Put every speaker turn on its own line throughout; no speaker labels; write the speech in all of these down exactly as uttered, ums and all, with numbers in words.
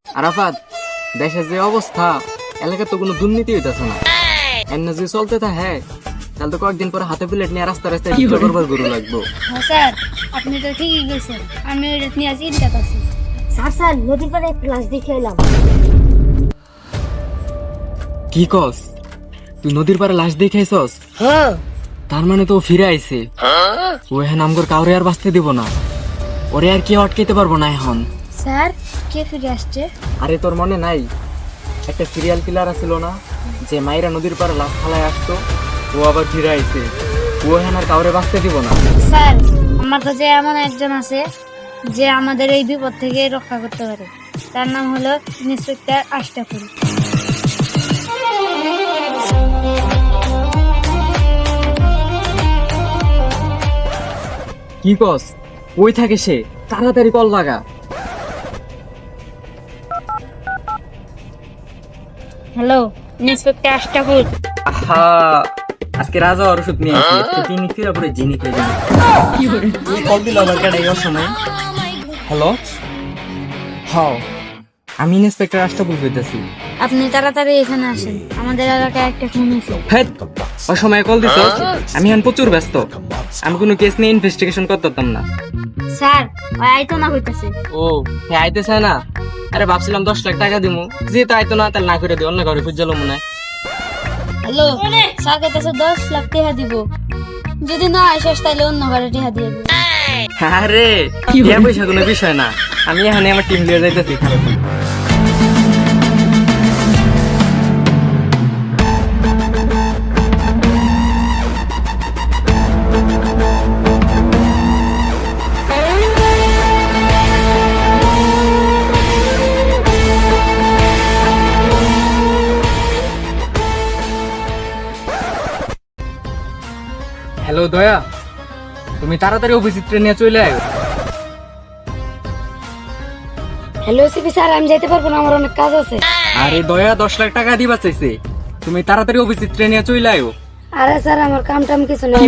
আরাফাত, দেশের যে অবস্থা, এলাকায় তো কোনো দুর্নীতি হইতেছে না। এমনি যদি চলতে থাকে তাহলে তো কয়েকদিন পরে হাতে প্লেট নিয়ে রাস্তা রাস্তায় ভিক্ষা করবার গরু লাগবো।
হ্যাঁ স্যার, আপনি তো ঠিকই গেছেন। আমি ওইটা নিয়ে চিন্তা করছি। স্যার স্যার নদীর পাড়ে একটা লাশ দেখে এলাম।
কি কস? তুই নদীর পাড়ে লাশ দেখাইছস?
হ্যাঁ।
তার মানে তো ও ফিরে আইছে। ও এখন আমগর কাউরে আর বাঁচতে দিব না, ওরে আর কেউ আটকাইতে পারবো না এখন।
স্যার, কে ফিরে আসছে?
আরে তোর মনে নাই একটা সিরিয়াল কিলার আছিল না, যে মাইরা নদীর পাড়ে লাশ ফালায় আসতো? ও আবার ফিরে আইছে। ও এখন আর কাউরে বাঁচতে দিব না।
স্যার, আমার কাছে এমন একজন আছে যে আমাদের এই বিপদ থেকে রক্ষা করতে পারে। তার নাম হলো ইন্সপেক্টর আশরাফুল।
কি কস? ওই থাকে সে, তাড়াতাড়ি কল লাগা।
Hello, inspector Ashraful.
আহা, আজকে রাজা আর ওষুধ নিয়ে আসি, আজকে তিনি ফিরা পরে জিনি খেয়ে যাবে। কি করে তুই কল দিল আবার কেডা এই সময়? হ্যালো, হ্যাঁ আমি ইন্সপেক্টর আশরাফুল কইতাছি।
আপনি তাড়াতাড়ি এখানে আসেন, আমাদের এলাকায় একটা খুন হয়েছে।
হ্যাঁ, ওই সময় কল দিছস? আমি এখন প্রচুর ব্যস্ত, আমি কোনো কেস নিয়ে ইনভেস্টিগেশন করতাম না।
স্যার, ওই আইতো না হইতাছে।
ও হ্যাঁ, আইতেছে না? আরে ভাবছিলাম দশ লাখ টাকা দিমু, যেহেতু আইতো না তাহলে না করে দিই, অন্য ঘরে খুঁজলো মনে হয়।
হ্যালো, স্যার কইতাছে দশ লাখ টাকা দিব, যদি না আসিস তাহলে অন্য ঘরে টাকা দিয়ে দেব।
আরে টাকা পয়সা কোনো বিষয় না, আমি এখানে আমার টিম লিডার যাইতেছি। হ্যালো দয়া, তুমি তাড়াতাড়ি অফিসে ট্রেনে চলে আয়।
হ্যালো সিপি স্যার, আমি যাইতে পারবো না, আমার অনেক কাজ আছে।
আরে দয়া দশ লাখ টাকা দিবা চাইছে, তুমি তাড়াতাড়ি অফিসে ট্রেনে চলে আয়।
আরে স্যার, আমার কাম টাম কিছু নেই।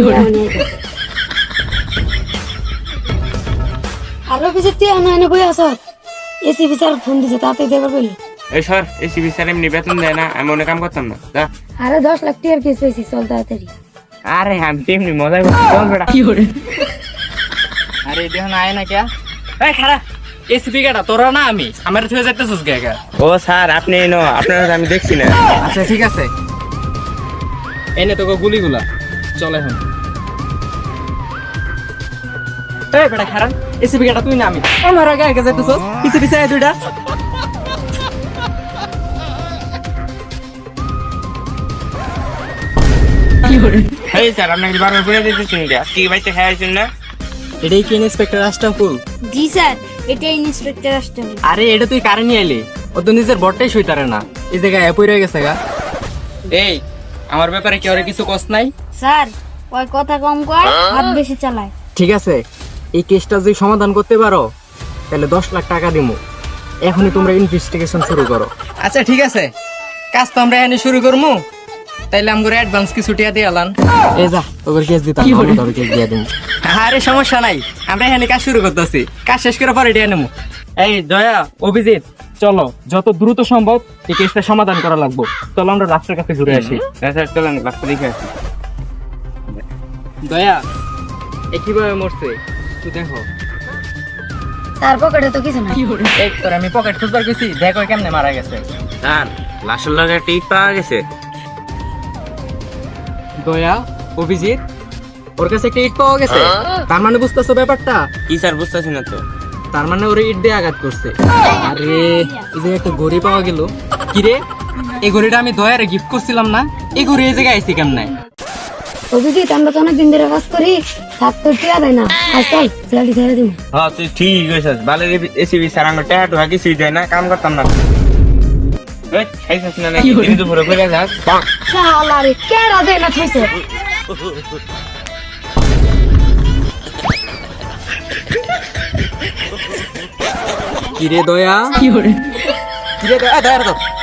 আর অফিসে তুই আনা এনে বই আসো, এসিপি স্যার ফোন দিছে, তাতে দেবার বলি।
এই সর, এসিবি স্যার এমনি বেতন দেয় না, আমি অনেক কাম করতাম না। যা।
আরে দশ লাখ টাকার কেস হয়েছি, চল তাড়াতাড়ি।
আরে আমি তো এমনি মজা করছি, চল বেটা।
কি করে? আরে দেখুন আয় না ক্যা? এই খারাপ এসিপি গাটা তোরা না, আমি আমার থেকে যাইতেছিস গা।
ও স্যার, আপনি এনো, আপনার আমি দেখছি না।
আচ্ছা ঠিক আছে, এনে তোকে গুলিগুলা, চল এখন। এই বেটা খারাপ, এসিপি গাটা তুই না আমি, আমার আগে আগে যাইতেছিস, পিছে পিছে আয় দুইটা। কি করে?
এই স্যার, আপনাকে বারবার করে দিতেছি নাকি? আজকে কি বাইতে খাইছেন না?
এটাই কি ইন্সপেক্টর আশরাফুল?
জি স্যার, এটা ইন্সপেক্টর আশরাফুল।
আরে এটা তুই কারে নিয়ে এলি? ও তো নিজের বটটাই সইতারে না, এই জায়গায় অ্যাপই রয়ে গেছে গা। এই আমার ব্যাপারে কি ওরে কিছু কষ্ট নাই?
স্যার, ওই কথা কম কর, হাত বেশি চালায়।
ঠিক আছে, এই কেসটা যদি সমাধান করতে পারো তাহলে দশ লাখ টাকা দিমু। এখনই তোমরা ইনভেস্টিগেশন শুরু করো। আচ্ছা ঠিক আছে, কাজ তো আমরা এখানে শুরু করবো, তাইলে আমগরে অ্যাডভান্স কিছু টাকা দিয়ে আলান। এই যা তোর কেস দিতাম, আমি তোর কেস দিয়ে দিমু। আরে সমস্যা নাই, আমরা এখানে কাজ শুরু করতেছি, কাজ শেষ করে পরে টাকা নেবো। এই দয়া, অভিজিৎ, চলো যত দ্রুত সম্ভব এই কেসটা সমাধান করা লাগবে। চলো আমরা রাষ্ট্রের কাছে ঘুরে আসি।
হ্যাঁ স্যার, চলেন রাস্তা দেখে আসি।
দয়া, এ কিভাবে মরছে তুই দেখো।
স্যার, পকেটে তো কিছু নাই।
এই তোর আমি পকেট খুঁজবার গেছি, দেখো কেমনে মারা গেছে।
স্যার, লাশের লগে একটা ইট পাওয়া গেছে।
দয়া, অভিজিৎ, ওর কাছে একটা ইট পাওয়া গেছে, তার মানে বুঝতেছো ব্যাপারটা?
কি স্যার, বুঝতেছি না তো।
তার মানে ওরে ইট দিয়ে আঘাত করছে। আরে এই যে একটা ঘড়ি পাওয়া গেল। কি রে, এই ঘড়িটা আমি দয়ারে গিফট করছিলাম না, এই ঘড়ি এই জায়গায় আইছি কেমনে?
অভিজিৎ, আমরা তো অনেক দিন ধরে কাজ করি, সাত তো টিয়া দেয় না। আর চল ফ্ল্যাটি ছেড়ে দিন।
হ্যাঁ তুই ঠিক কইছিস, ভালো এসিবি স্যার আমার টাকা টুকা কিছুই দেয় না, কাম করতাম না। এই খাইছিস না নাকি? দিন দুপুরে করে যাস।
শালা রে, কেডা দেয় না খাইছে?
কি রে দয়া? কি রে? কি রে দয়া? দয়া তো